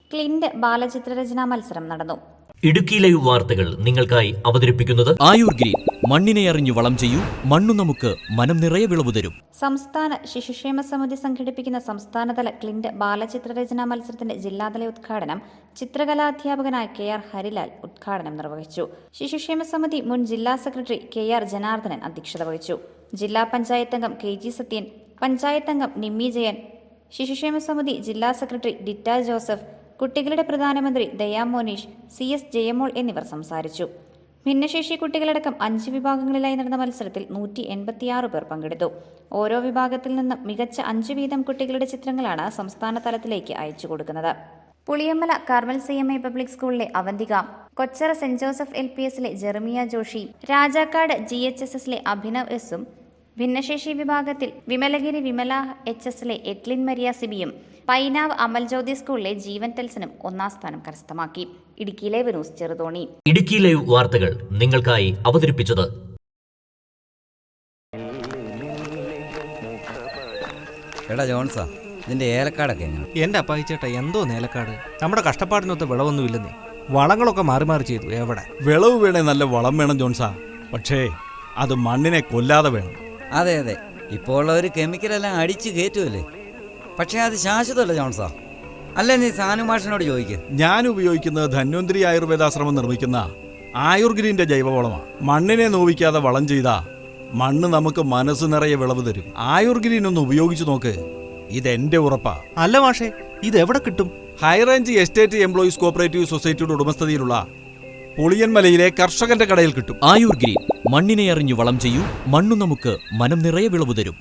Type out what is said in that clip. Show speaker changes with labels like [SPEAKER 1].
[SPEAKER 1] Clint ബാലചിത്രരചനാ മത്സരം നടന്നു.
[SPEAKER 2] Idukki live വാർത്തകൾ നിങ്ങൾക്കായി അവതരിപ്പിക്കുന്നത്
[SPEAKER 3] ആയുർ ഗ്രീൻ. മണ്ണിനെ അറിഞ്ഞു വളം ചെയ്യൂ, മണ്ണു നമുക്ക് മനം നിറയെ വിളവ് തരും.
[SPEAKER 1] സംസ്ഥാന ശിശുക്ഷേമ സമിതി സംഘടിപ്പിക്കുന്ന സംസ്ഥാനതല ക്ലിന്റ് ബാലചിത്രരചനാ മത്സരത്തിന്റെ ജില്ലാതല ഉദ്ഘാടനം ചിത്രകലാധ്യാപകനായ KR ഹരിലാൽ ഉദ്ഘാടനം നിർവഹിച്ചു. ശിശുക്ഷേമ സമിതി മുൻ ജില്ലാ സെക്രട്ടറി KR ജനാർദ്ദനൻ അധ്യക്ഷത വഹിച്ചു. ജില്ലാ പഞ്ചായത്ത് അംഗം KG സത്യൻ, പഞ്ചായത്ത് അംഗം നിമ്മി ജയൻ, ശിശുക്ഷേമ സമിതി ജില്ലാ സെക്രട്ടറി ഡിറ്റ ജോസഫ്, കുട്ടികളുടെ പ്രധാനമന്ത്രി ദയാ മോനീഷ്, CS ജയമോൾ എന്നിവർ സംസാരിച്ചു. ഭിന്നശേഷി കുട്ടികളടക്കം 5 വിഭാഗങ്ങളിലായി നടന്ന മത്സരത്തിൽ 186 പേർ പങ്കെടുത്തു. ഓരോ വിഭാഗത്തിൽ നിന്നും മികച്ച 5 വീതം കുട്ടികളുടെ ചിത്രങ്ങളാണ് സംസ്ഥാന തലത്തിലേക്ക് അയച്ചു കൊടുക്കുന്നത്. പുളിയമ്മല കാർമൽ CMI പബ്ലിക് സ്കൂളിലെ അവന്തിക, കൊച്ചറ സെന്റ് ജോസഫ് LPSലെ ജെറമിയ ജോഷി, രാജാക്കാട് GHSSലെ അഭിനവ് എസും, ഭിന്നശേഷി വിഭാഗത്തിൽ വിമലഗിരി വിമല HSലെ എറ്റ്ലിൻ മരിയ സിബിയും, പൈനാവ് അമൽജ്യോതി സ്കൂളിലെ ജീവൻ ടെൽസനും 1ാം സ്ഥാനം കരസ്ഥമാക്കി. Idukki live news Cheruthoni.
[SPEAKER 2] Idukki live വാർത്തകൾ നിങ്ങൾക്കായി അവതരിപ്പിച്ചത്
[SPEAKER 4] എടാ ജോൺസാ, ഇതിന്റെ ഏലക്കാടൊക്കെ എങ്ങനെ?
[SPEAKER 5] എന്റെ അപ്പായിച്ചേട്ടാ, എന്തോ ഏലക്കാട്? നമ്മുടെ കഷ്ടപ്പാടിനൊത്ത് വിളവൊന്നുമില്ലെന്നേ. വളങ്ങളൊക്കെ മാറി മാറി ചെയ്തു. എവിടെ
[SPEAKER 6] വിളവ് വേണേ നല്ല വളം വേണം ജോൺസാ, പക്ഷേ അത് മണ്ണിനെ കൊല്ലാതെ വേണം.
[SPEAKER 4] അതെ അതെ, ഇപ്പോൾ ഉള്ളവർ കെമിക്കലെല്ലാം അടിച്ച് കയറ്റുമല്ലേ. പക്ഷേ അത് ശാശ്വതമല്ല ജോൺസാ. അല്ല, നീ സാനുമാഷിനോട് ചോദിക്ക്.
[SPEAKER 6] ഞാൻ ഉപയോഗിക്കുന്നത് ധന്വന്തരി ആയുർവേദാശ്രമം നിർമ്മിക്കുന്ന ആയുർഗ്രീന്റെ ജൈവവളമാണ്. മണ്ണിനെ നോവിക്കാതെ വളം ചെയ്താ മണ്ണ് നമുക്ക് മനസ്സ് നിറയെ വിളവ് തരും. ആയുർഗ്രീൻ ഒന്ന് ഉപയോഗിച്ചു നോക്ക്, ഇതെന്റെ ഉറപ്പാ.
[SPEAKER 5] അല്ല മാഷേ, ഇത് എവിടെ കിട്ടും?
[SPEAKER 6] ഹൈറേഞ്ച് എസ്റ്റേറ്റ് എംപ്ലോയീസ് കോപ്പറേറ്റീവ് സൊസൈറ്റിയുടെ ഉടമസ്ഥതയിലുള്ള പുളിയൻമലയിലെ കർഷകന്റെ കടയിൽ കിട്ടും.
[SPEAKER 3] ആയുർ ഗ്രീൻ. മണ്ണിനെ അറിഞ്ഞു വളം ചെയ്യൂ, മണ്ണു നമുക്ക് മനം നിറയെ വിളവ് തരും.